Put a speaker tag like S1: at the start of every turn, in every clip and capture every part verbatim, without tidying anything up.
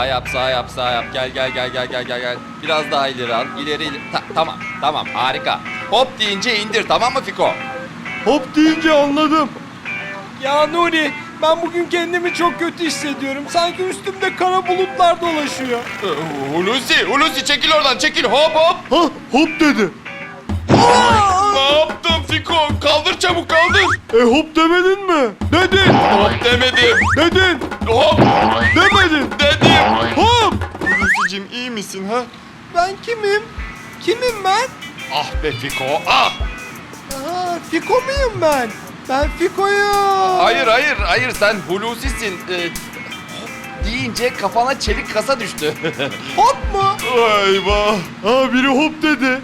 S1: Sağ yap, sağ yap, sağ yap. Gel, gel, gel, gel, gel, gel, gel. Biraz daha ileri al. İleri, ileri. Ta- tamam, tamam. Harika. Hop deyince indir, tamam mı Fiko?
S2: Hop deyince anladım.
S3: Ya Nuri, ben bugün kendimi çok kötü hissediyorum. Sanki üstümde kara bulutlar dolaşıyor.
S1: Ee, Hulusi, Hulusi çekil oradan, çekil. Hop, hop.
S2: Ha hop dedi.
S1: Ne yaptın Fiko? Kaldır çabuk, kaldır.
S2: E hop demedin mi? Dedin.
S1: Hop demedim.
S2: Dedin.
S1: Hop
S2: Demedin.
S1: dedim.
S2: Hop.
S1: Hulusi'cim iyi misin ha?
S3: Ben kimim? Kimim ben?
S1: Ah be Fiko, ah.
S3: Aa, Fiko muyum ben? Ben Fiko'yum.
S1: Hayır, hayır, hayır. Sen Hulusi'sin. Ee, hop deyince kafana çelik kasa düştü.
S3: Hop mu?
S1: Eyvah.
S2: Ha biri hop dedi.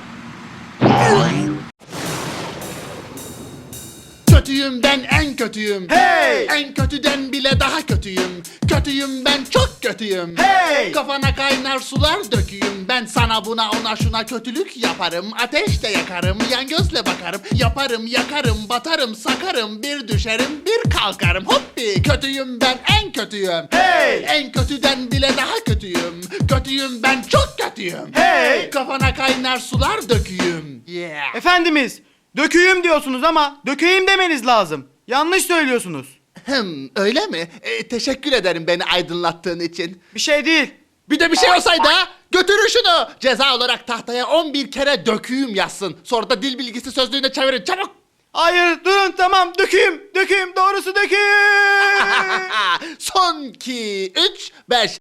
S4: Kötüyüm ben, en kötüyüm.
S2: Hey!
S4: En kötüden bile daha kötüyüm. Kötüyüm ben, çok kötüyüm.
S2: Hey!
S4: Kafana kaynar sular döküyüm. Ben sana buna ona şuna kötülük yaparım. Ateşte yakarım, yan gözle bakarım. Yaparım, yakarım, batarım, sakarım. Bir düşerim, bir kalkarım. Hoppi! Kötüyüm ben, en kötüyüm.
S2: Hey!
S4: En kötüden bile daha kötüyüm. Kötüyüm ben, çok kötüyüm.
S2: Hey!
S4: Kafana kaynar sular döküyüm. Yeah.
S5: Efendimiz, döküyüm diyorsunuz ama dökeyim demeniz lazım. Yanlış söylüyorsunuz.
S4: Hem öyle mi? E, teşekkür ederim beni aydınlattığın için.
S5: Bir şey değil.
S4: Bir de bir şey olsaydı ha? Götürün şunu. Ceza olarak tahtaya on bir kere döküyüm yazsın. Sonra da dil bilgisi sözlüğüne çevirin çabuk.
S5: Hayır, durun, tamam, dökeyim, dökeyim, doğrusu dökeyim.
S4: Son iki, üç, beş.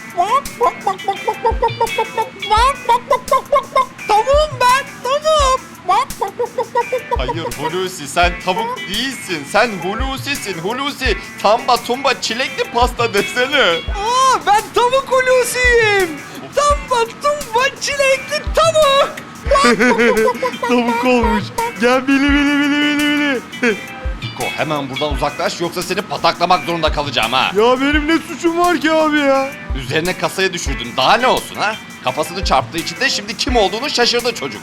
S3: Tavuğum ben, tavuğum.
S1: Hayır Hulusi, sen tavuk değilsin. Sen Hulusi'sin. Hulusi, tamba tumba çilekli pasta desene.
S3: Aa, ben tavuk Hulusi'yim. Tamba tumba çilekli tavuk.
S2: Tavuk olmuş. Gel bili bili bili bili bili.
S1: Fiko, hemen buradan uzaklaş yoksa seni pataklamak zorunda kalacağım ha.
S2: Ya benim ne suçum var ki abi ya?
S1: Üzerine kasayı düşürdün. Daha ne olsun ha? Kafasını çarptığı için de şimdi kim olduğunu şaşırdı çocuk.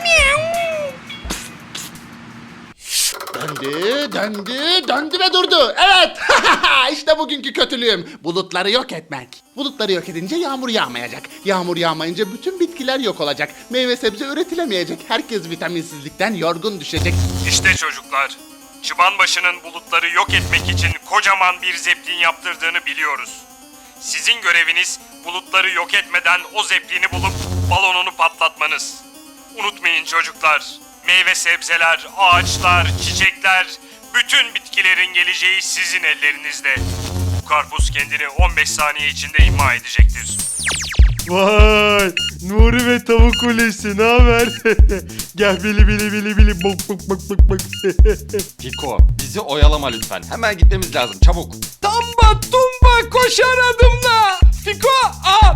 S4: Döndü, döndü, döndü ve durdu. Evet, işte bugünkü kötülüğüm. Bulutları yok etmek. Bulutları yok edince yağmur yağmayacak. Yağmur yağmayınca bütün bitkiler yok olacak. Meyve sebze üretilemeyecek. Herkes vitaminsizlikten yorgun düşecek.
S6: İşte çocuklar, Çıbanbaşı'nın bulutları yok etmek için kocaman bir zeplin yaptırdığını biliyoruz. Sizin göreviniz bulutları yok etmeden o zeplini bulup balonunu patlatmanız. Unutmayın çocuklar, meyve sebzeler, ağaçlar, çiçekler, bütün bitkilerin geleceği sizin ellerinizde. Bu karpuz kendini on beş saniye içinde imha edecektir.
S2: Vay! Nuri ve tavuk kulesi ne haber? Gel bili bili bili bili bok bok bok bok bok.
S1: Fiko, bizi oyalama lütfen. Hemen gitmemiz lazım, çabuk.
S3: Tamba tumba koşar adımla. Fiko, aa.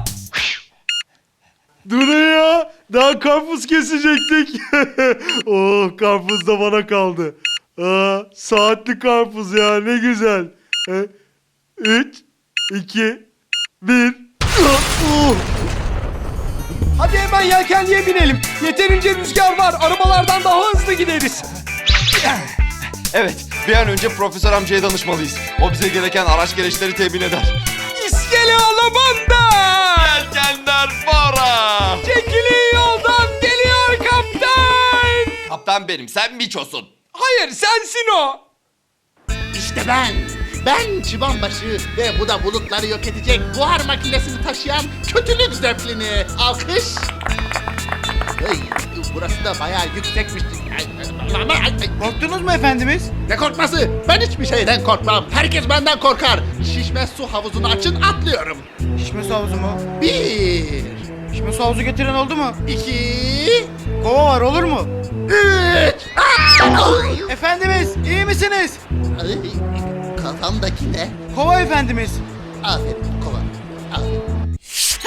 S2: Dur ya. Daha karpuz kesecektik. Oh karpuz da bana kaldı. Aa, saatli karpuz ya ne güzel. E, Üç, iki, bir. Oh.
S3: Hadi hemen yelkenliğe binelim. Yeterince rüzgar var. Arabalardan daha hızlı gideriz.
S1: Evet, bir an önce profesör amcaya danışmalıyız. O bize gereken araç gereçleri temin eder.
S3: İskele alamanda.
S1: Yelkenler para!
S3: Çekilin yoldan geliyor kaptan.
S1: Kaptan benim, sen Miço'sun.
S3: Hayır, sensin o.
S4: İşte ben. Ben Çıbanbaşı ve bu da bulutları yok edecek buhar makinesini taşıyan kötülük zeplini. Alkış. Ay, burası da bayağı yüksekmiş. Ay, ay, ay, ay.
S5: Korktunuz mu efendimiz?
S4: Ne korkması? Ben hiçbir şeyden korkmam. Herkes benden korkar. Şişme su havuzunu açın atlıyorum.
S5: Şişme su havuzu mu?
S4: Bir,
S5: Şişme su havuzu getiren oldu mu?
S4: iki,
S5: Kova var, olur mu?
S4: üç. Ay,
S5: Efendimiz, iyi misiniz?
S4: ay, kafamdaki ne?
S5: Kova efendimiz.
S4: Aferin kova. Aferin.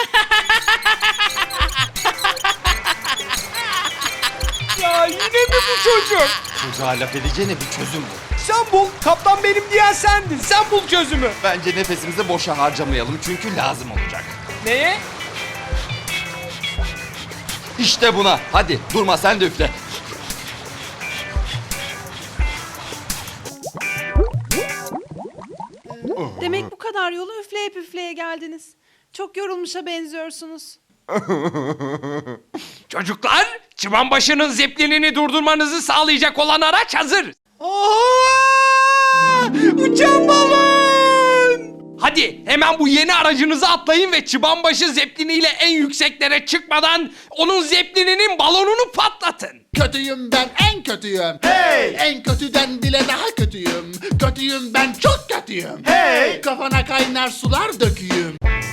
S3: Ya yine mi bu çocuk?
S1: Çocuğa laf edeceğine bir çözüm bul.
S3: Sen bul. Kaptan benim diyen sendin. Sen bul çözümü.
S1: Bence nefesimizi boşa harcamayalım çünkü lazım olacak.
S3: Neye?
S1: İşte buna. Hadi durma, sen de üfle.
S7: Demek bu kadar yolu üfleye püfleye geldiniz. Çok yorulmuşa benziyorsunuz.
S8: Çocuklar, Çıbanbaşı'nın zeplinini durdurmanızı sağlayacak olan araç hazır.
S3: Aa! Uçan balon!
S8: Hadi hemen bu yeni aracınıza atlayın ve Çıbanbaşı zepliniyle en yükseklere çıkmadan onun zeplininin balonunu patlatın.
S4: Kötüyüm ben, en kötüyüm. Hey! En kötüden bile daha kötüyüm. Kötüyüm ben, çok kötüyüm. Hey! Kafana kaynar sular döküyüm.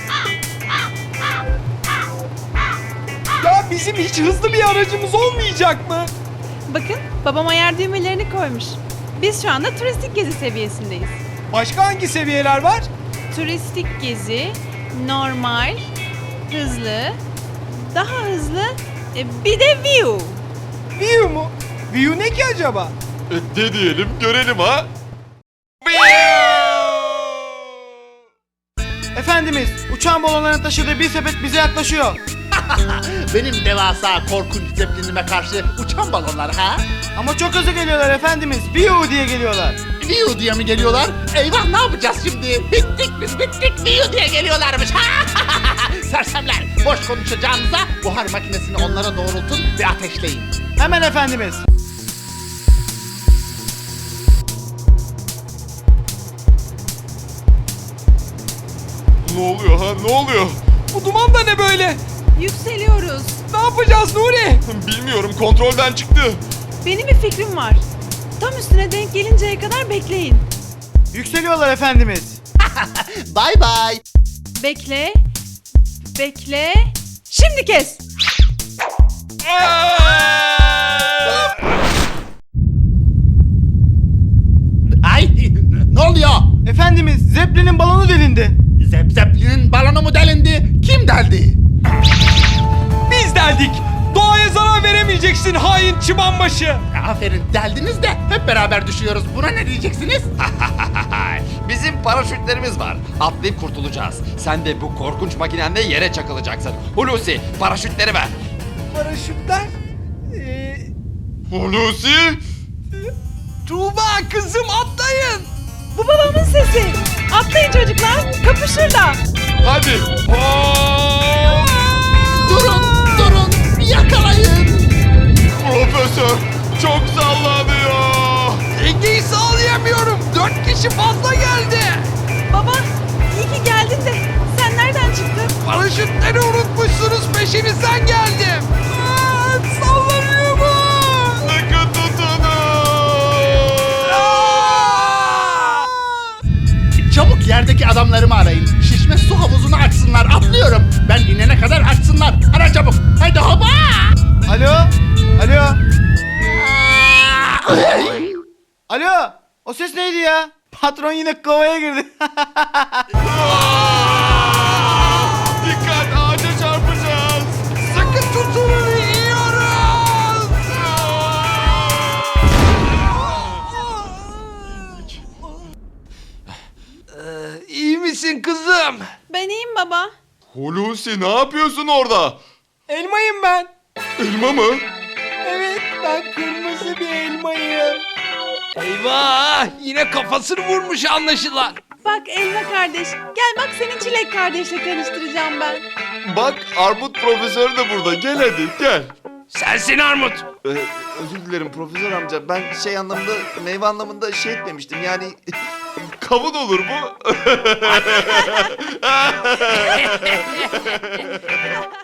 S3: Ya bizim hiç hızlı bir aracımız olmayacak mı?
S7: Bakın babam ayar düğmelerini koymuş. Biz şu anda turistik gezi seviyesindeyiz.
S3: Başka hangi seviyeler var?
S7: Turistik gezi, normal, hızlı, daha hızlı, e, bir de view.
S3: View mu? View ne ki acaba?
S1: E, de diyelim görelim ha.
S5: Efendimiz, uçağın balonlarını taşıdığı bir sepet bize yaklaşıyor.
S4: Benim devasa korkunç zeplinime karşı uçan balonlar ha?
S5: Ama çok hızlı geliyorlar efendimiz. Biu diye geliyorlar.
S4: Viu diye mi geliyorlar? Eyvah, ne yapacağız şimdi? Bittik biz bittik, Viu diye geliyorlarmış. Sersemler, boş konuşacağınıza buhar makinesini onlara doğrultun ve ateşleyin.
S5: Hemen efendimiz.
S1: Ne oluyor ha ne oluyor?
S3: Bu duman da ne böyle?
S7: Yükseliyoruz.
S3: Ne yapacağız Nuri?
S1: Bilmiyorum kontrolden çıktı.
S7: Benim bir fikrim var. Tam üstüne denk gelinceye kadar bekleyin.
S5: Yükseliyorlar efendimiz.
S4: Bye bye.
S7: Bekle, bekle. Şimdi kes.
S4: Ay, ne oluyor?
S5: Efendimiz, Zeppelin'in balonu delindi.
S4: Zep Zeppelin'in balonu mu delindi? Kim deldi?
S3: Biz deldik. Doğaya zarar veremeyeceksin hain Çıbanbaşı.
S4: Aferin, deldiniz de hep beraber düşüyoruz. Buna ne diyeceksiniz?
S1: Bizim paraşütlerimiz var. Atlayıp kurtulacağız. Sen de bu korkunç makinenle yere çakılacaksın. Hulusi paraşütleri ver.
S3: Paraşütler? Ee,
S1: Hulusi?
S3: Tuğba kızım atlayın.
S7: Bu babamın sesi. Atlayın çocuklar. Kapışırlar.
S1: Hadi. Hop!
S4: Durun, durun, yakalayın.
S1: Profesör çok sallanıyor.
S8: Dengeyi sağlayamıyorum. Dört kişi fazla geldi.
S7: Baba, iyi ki geldin de. Sen nereden çıktın?
S8: Paraşütleri unutmuşsunuz, peşinizden geldim.
S3: Aa, sallanıyor bu.
S1: Sıkı tutunun.
S4: Çabuk yerdeki adamlarımı arayın. Şişme su havuzunu açsınlar. Atlıyorum. Ben inene kadar açsınlar. Ara çabuk. Hadi hopa.
S5: Alo? Alo? Alo? O ses neydi ya? Patron yine kovaya girdi.
S1: Dikkat ağaca çarpacağız.
S8: Sakın tutunun, iniyoruz. Ee, iyi misin kızım?
S7: Ben iyiyim baba.
S1: Hulusi ne yapıyorsun orada?
S3: Elmayım ben.
S1: Elma mı?
S3: Evet, ben kırmızı bir elmayım.
S8: Eyvah! Yine kafasını vurmuş anlaşılan.
S7: Bak Elma kardeş. Gel bak seni Çilek kardeşle tanıştıracağım ben.
S1: Bak Armut profesör de burada. Gel hadi gel.
S8: Sensin Armut.
S1: Ee, özür dilerim profesör amca. Ben şey anlamında, meyve anlamında şey etmemiştim. Yani kavun olur bu.